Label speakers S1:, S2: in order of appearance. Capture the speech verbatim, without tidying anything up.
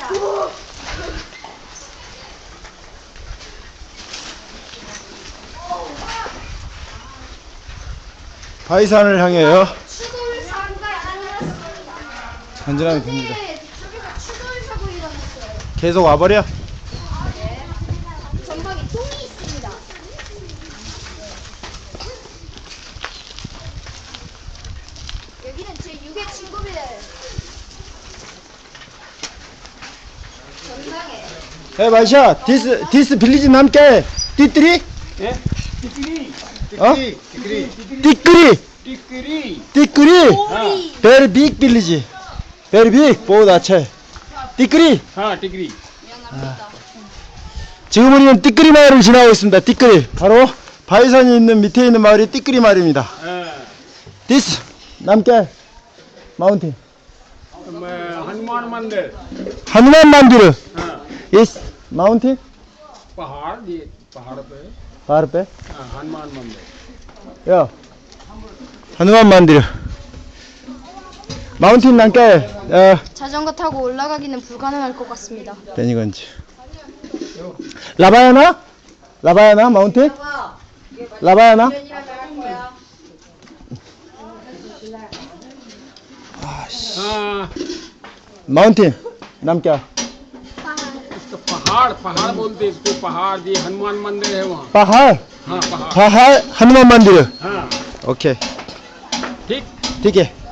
S1: 바위산을 향해요.
S2: 추돌 사고가 일어났습니다.
S1: 전진하면 됩니다.
S2: 저기서 추돌 사고 일어났어요.
S1: 계속 와버려.
S2: 네. 전방에 똥이 있습니다. 여기는 제 육의 친구들. 전방에.
S1: 에 마이샤, 디스 디스 빌리지 남게 띠띠리?
S3: 예? 띠끼리.
S1: 어?
S3: 띠끼리.
S1: 띠끄리,
S3: 띠끼리.
S1: 띠끄리.
S2: 오리.
S1: Very big village. Very big. बहुत अच्छा है. 띠끄리.
S3: हाँ टिकरी.
S2: 미안합니다.
S1: 지금 우리는 띠끄리 마을을 지나고 있습니다. 띠끄리. 바로 바위산이 있는 밑에 있는 마을이 띠끄리 마을입니다.
S3: हाँ,
S1: This 남게 마운틴.
S3: मैं हनुमान मंदिर.
S1: हनुमान मंदिर.
S3: हाँ,
S1: Yes माउंटेन.
S3: पहाड़ ये पहाड़ पे.
S1: पहाड़ पे.
S3: हाँ, हनुमान मंदिर.
S1: 야, हनुमान मंदिर. माउंटेन 남게. 어,
S2: 자전거 타고 올라가기는 불가능할 것 같습니다.
S1: 베니건지. 라바야나? 라바야나 마운틴? 라바야나?
S3: हाँ,
S1: माउंटेन नाम क्या?
S3: इसको पहाड़ पहाड़ बोलते हैं इसको पहाड़ ये हनुमान मंदिर है वहाँ.
S1: पहाड़.
S3: हाँ पहाड़.
S1: पहाड़ हनुमान मंदिर.
S3: हाँ
S1: ओके.
S3: ठीक.
S1: ठीक है.